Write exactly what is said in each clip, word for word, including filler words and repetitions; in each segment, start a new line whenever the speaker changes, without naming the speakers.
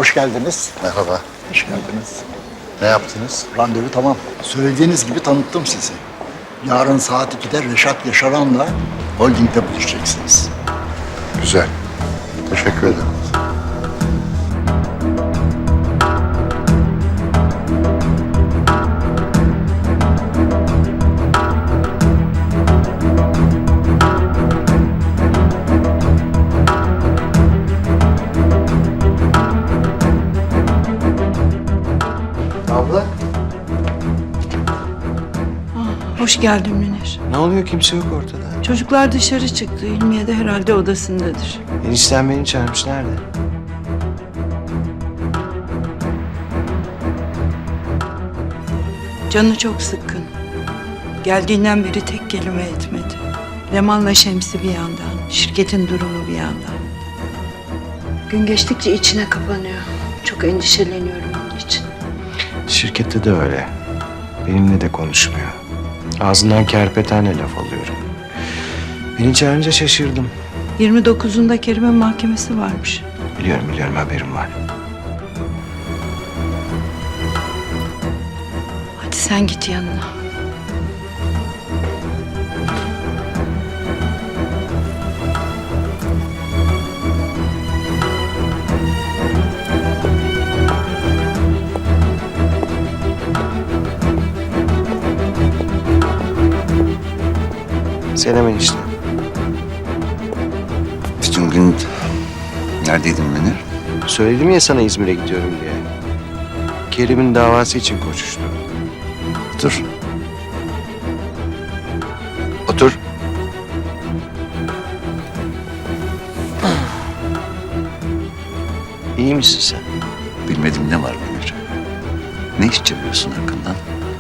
Hoş geldiniz.
Merhaba.
Hoş geldiniz.
Ne yaptınız?
Randevu tamam. Söylediğiniz gibi tanıttım sizi. Yarın saat ikide Reşat Yaşaran'la holdingde buluşacaksınız.
Güzel. Teşekkür ederim.
Abla.
Hoş geldin Münir.
Ne oluyor? Kimse yok ortada.
Çocuklar dışarı çıktı. İlmiye de herhalde odasındadır.
Enişten beni çağırmış. Nerede?
Canı çok sıkkın. Geldiğinden beri tek kelime etmedi. Leman'la Şemsi bir yandan, şirketin durumu bir yandan. Gün geçtikçe içine kapanıyor. Çok endişeleniyorum onun için.
Şirkette de öyle. Benimle de konuşmuyor. Ağzından kerpetene laf alıyorum. Beni çağırınca şaşırdım.
yirmi dokuzunda Kerim'in mahkemesi varmış.
Biliyorum biliyorum haberim var.
Hadi sen git yanına.
Selam enişte.
Bütün gün neredeydin Münir?
Söyledim ya sana İzmir'e gidiyorum diye. Kerim'in davası için koşuştu.
Otur. Otur.
İyi misin sen?
Bilmedim ne var Münir? Ne iş çeviriyorsun hakkından?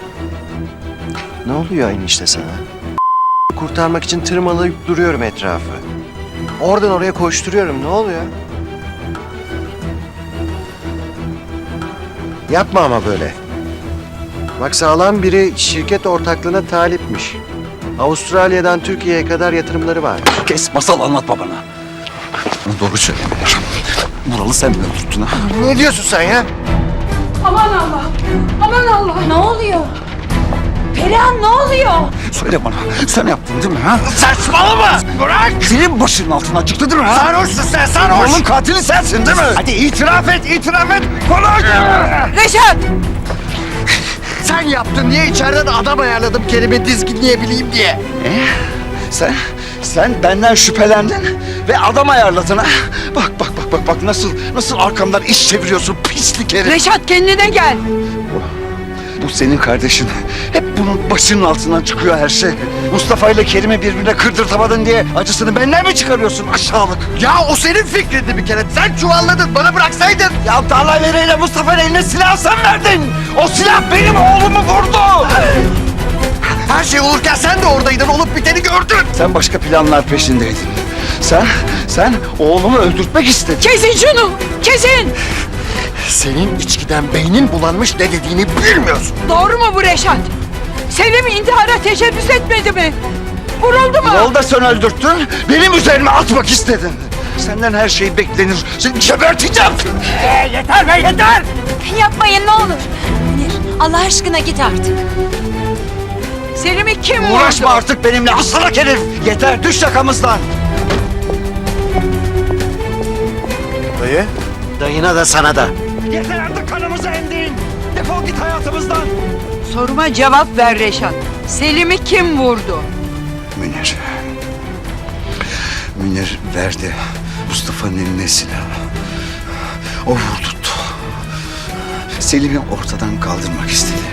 Ne oluyor enişte sana? Kurtarmak için tırmalayıp duruyorum etrafı. Oradan oraya koşturuyorum. Ne oluyor? Yapma ama böyle. Bak sağlam biri şirket ortaklığına talipmiş. Avustralya'dan Türkiye'ye kadar yatırımları var.
Kes masal anlatma bana. Doğru söyle Münir. Vural'ı sen mi öldürttün ha?
Ne diyorsun sen ya?
Aman Allah! Aman Allah! Ne oluyor? Perihan ne oluyor?
Söyle bana. Sen yaptın değil mi ha? Saçmalama! Bırak! Senin başının altından çıktı değil mi ha? Sarhoşsun sen sarhoş! Oğlum katili sensin değil mi? Hadi itiraf et, itiraf et! Konuş!
Reşat!
Sen yaptın diye içeriden adam ayarladım Kerim'i dizginleyebileyim diye. E? Sen, sen benden şüphelendin ve adam ayarladın ha? Bak bak bak bak bak nasıl nasıl arkamdan iş çeviriyorsun pislik herif.
Reşat kendine gel!
Bu senin kardeşin. Hep bunun başının altından çıkıyor her şey. Mustafa ile Kerim'i birbirine kırdırtamadın diye acısını benden mi çıkarıyorsun aşağılık? Ya o senin fikrindi bir kere. Sen çuvalladın, bana bıraksaydın. Ya Talha ile Mustafa'nın eline silah sen verdin. O silah benim oğlumu vurdu. Her şey olurken sen de oradaydın, olup biteni gördün. Sen başka planlar peşindeydin. Sen, sen oğlumu öldürtmek istedin.
Kesin şunu! Kesin!
Senin içkiden beynin bulanmış ne dediğini bilmiyorsun.
Doğru mu bu Reşat? Selim intihara teşebbüs etmedi mi? Vuruldu mu?
Yolda sen öldürttün, benim üzerime atmak istedin. Senden her şey beklenir. Seni geberteceğim.
Ee, yeter be yeter! Yapmayın ne olur. Münir Allah aşkına git artık.
Selim'i kim vurdu?
Uğraşma artık benimle asalak herif. Yeter, düş yakamızdan.
Dayı? Dayına da sana da.
Yeter artık kanımızı emdiğin. Defol git hayatımızdan.
Soruma cevap ver Reşat. Selim'i kim vurdu?
Münir. Münir verdi Mustafa'nın eline silahı. O vurdurttu. Selim'i ortadan kaldırmak istedi.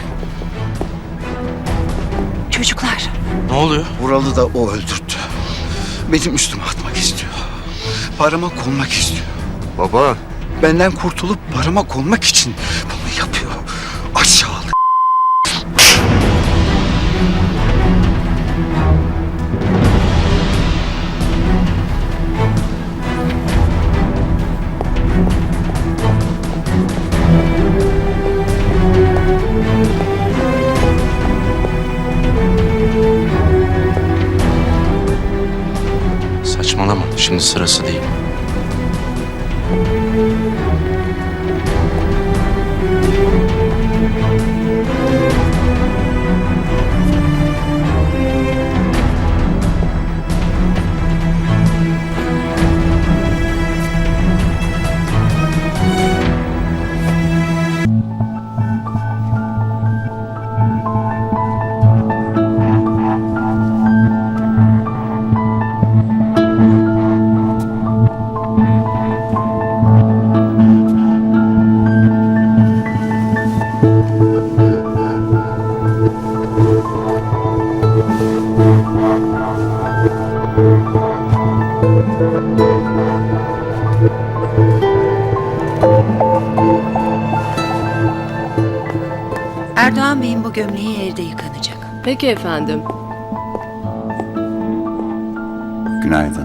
Çocuklar.
Ne oluyor?
Vural'ı da o öldürttü. Benim üstüme atmak istiyor. Parama konmak istiyor.
Baba.
Benden kurtulup parama konmak için bunu yapıyor. Aşağılık.
Saçmalama. Şimdi sırası değil.
Yıkayın bu gömleği, evde yıkanacak.
Peki efendim.
Günaydın.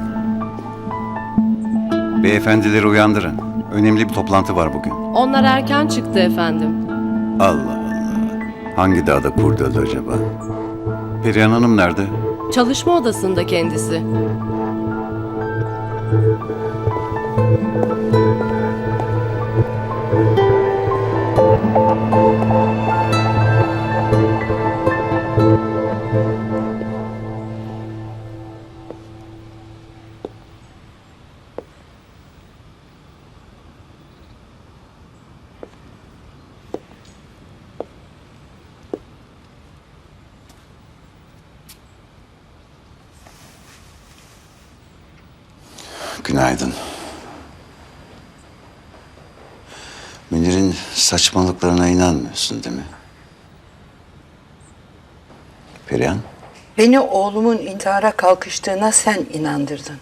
Beyefendileri uyandırın. Önemli bir toplantı var bugün.
Onlar erken çıktı efendim.
Allah Allah. Hangi dağda kurt öldü acaba? Perihan Hanım nerede?
Çalışma odasında kendisi.
Günaydın. Münir'in saçmalıklarına inanmıyorsun değil mi? Perihan?
Beni oğlumun intihara kalkıştığına sen inandırdın.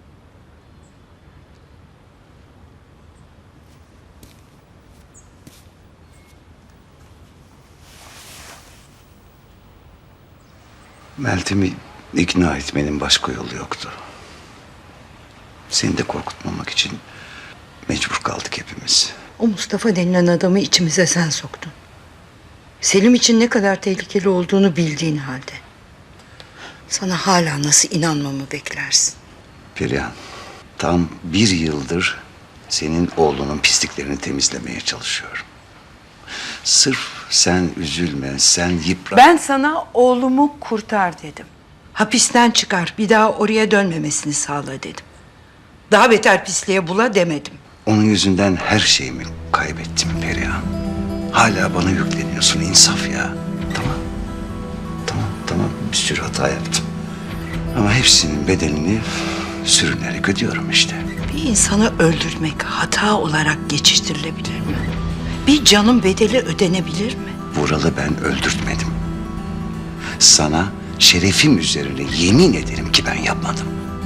Meltem'i ikna etmenin başka yolu yoktu. Seni de korkutmamak için mecbur kaldık hepimiz.
O Mustafa denilen adamı içimize sen soktun. Selim için ne kadar tehlikeli olduğunu bildiğin halde. Sana hala nasıl inanmamı beklersin?
Perihan, tam bir yıldır senin oğlunun pisliklerini temizlemeye çalışıyorum. Sırf sen üzülme, sen yıpran...
Ben sana oğlumu kurtar dedim. Hapisten çıkar, bir daha oraya dönmemesini sağla dedim. Daha beter pisliğe bula demedim.
Onun yüzünden her şeyimi kaybettim Perihan. Hala bana yükleniyorsun, insaf ya. Tamam, tamam, tamam. Bir sürü hata yaptım. Ama hepsinin bedelini sürünerek ödüyorum işte.
Bir insanı öldürmek hata olarak geçiştirilebilir mi? Bir canın bedeli ödenebilir mi?
Vural'ı ben öldürtmedim. Sana şerefim üzerine yemin ederim ki ben yapmadım.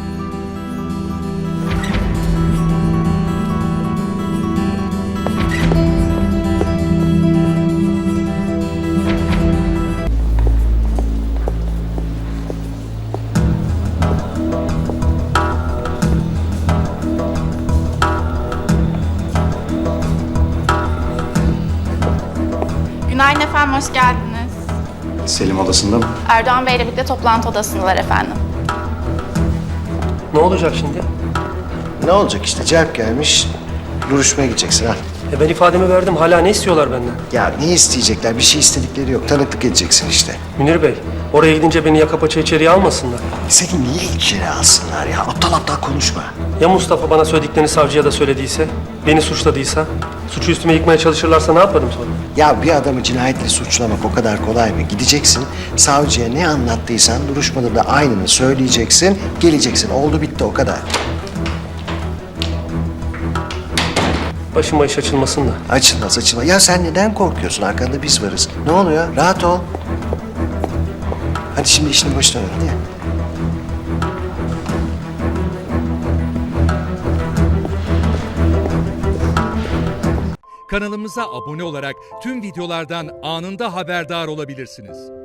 Günaydın efendim, hoş geldiniz.
Selim odasında mı?
Erdoğan Bey'le birlikte toplantı odasındalar efendim.
Ne olacak şimdi?
Ne olacak işte, celp gelmiş. Duruşmaya gideceksin ha.
E ben ifademi verdim. Hala ne istiyorlar benden?
Ya ne isteyecekler? Bir şey istedikleri yok. Tanıklık edeceksin işte.
Münir Bey, oraya gidince beni yaka paça içeriye almasınlar.
Seni niye içeri alsınlar ya? Aptal aptal konuşma.
Ya Mustafa bana söylediklerini savcıya da söylediyse, beni suçladıysa, suçu üstüme yıkmaya çalışırlarsa ne yaparım sonra?
Ya bir adamı cinayetle suçlamak o kadar kolay mı? Gideceksin, savcıya ne anlattıysan duruşmada da aynını söyleyeceksin, geleceksin. Oldu bitti o kadar.
Başıma iş açılmasın da.
Açılmaz açılmaz. Ya sen neden korkuyorsun? Arkanda biz varız. Ne oluyor? Rahat ol. Hadi şimdi işini başına ver. Hadi.
Kanalımıza abone olarak tüm videolardan anında haberdar olabilirsiniz.